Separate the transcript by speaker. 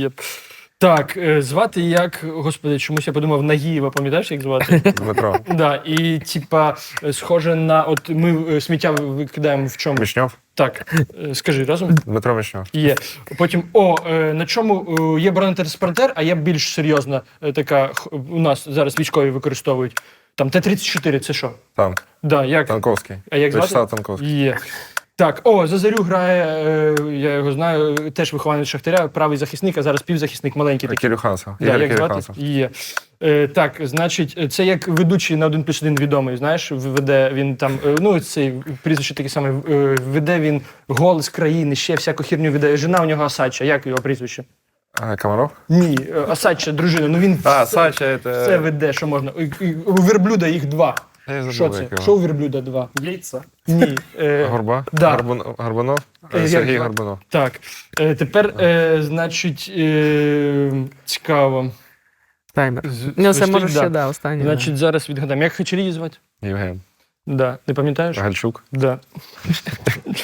Speaker 1: Єп. Так, звати як, господи, чомусь я подумав Нагієва, пам'ятаєш, як звати?
Speaker 2: Дмитро.
Speaker 1: Да, і типа схоже на, от ми сміття викидаємо в чому?
Speaker 2: Вишньов?
Speaker 1: Так, скажи разом.
Speaker 2: Дмитро Вишньов.
Speaker 1: Є. Потім, на чому є бронетранспортер, а є більш серйозна така, у нас зараз військові використовують. Там Т-34, це що?
Speaker 2: Танк.
Speaker 1: Да, як?
Speaker 2: Танковський.
Speaker 1: А як звати?
Speaker 2: Вячеслав Танковський.
Speaker 1: Є. Так, за Зарю грає, я його знаю, теж вихованець Шахтаря, правий захисник, а зараз півзахисник, маленький такий.
Speaker 2: Кирюханцев.
Speaker 1: Да,
Speaker 2: Ігор
Speaker 1: як звати?
Speaker 2: Кирюханцев.
Speaker 1: Є. Так, значить, це як ведучий на 1+1 відомий, знаєш, веде він там, ну, цей прізвище таке саме, веде він «Голос країни», ще всяку херню веде. Жена у нього Асача, як його прізвище?
Speaker 2: Комаров?
Speaker 1: Ні, Асача, дружина, ну він
Speaker 2: Сача, це...
Speaker 1: все веде, що можна. У верблюда їх 2.
Speaker 2: Я забув,
Speaker 1: Що це?
Speaker 2: як його.
Speaker 1: Що у верблюда 2?
Speaker 3: Яйця.
Speaker 1: Ні.
Speaker 2: Горба?
Speaker 1: Да.
Speaker 2: Горбунов?
Speaker 1: Як
Speaker 2: Сергій
Speaker 1: звати?
Speaker 2: Горбунов.
Speaker 1: Так, тепер, значить, цікаво.
Speaker 4: Таймер. Ну, це
Speaker 1: Свистить,
Speaker 4: може
Speaker 1: да.
Speaker 4: ще, да, останнє.
Speaker 1: Значить, зараз відгадаємо. Як Хачарії звати?
Speaker 2: Євген.
Speaker 1: Да. Не пам'ятаєш?
Speaker 2: Гальчук.
Speaker 1: Да.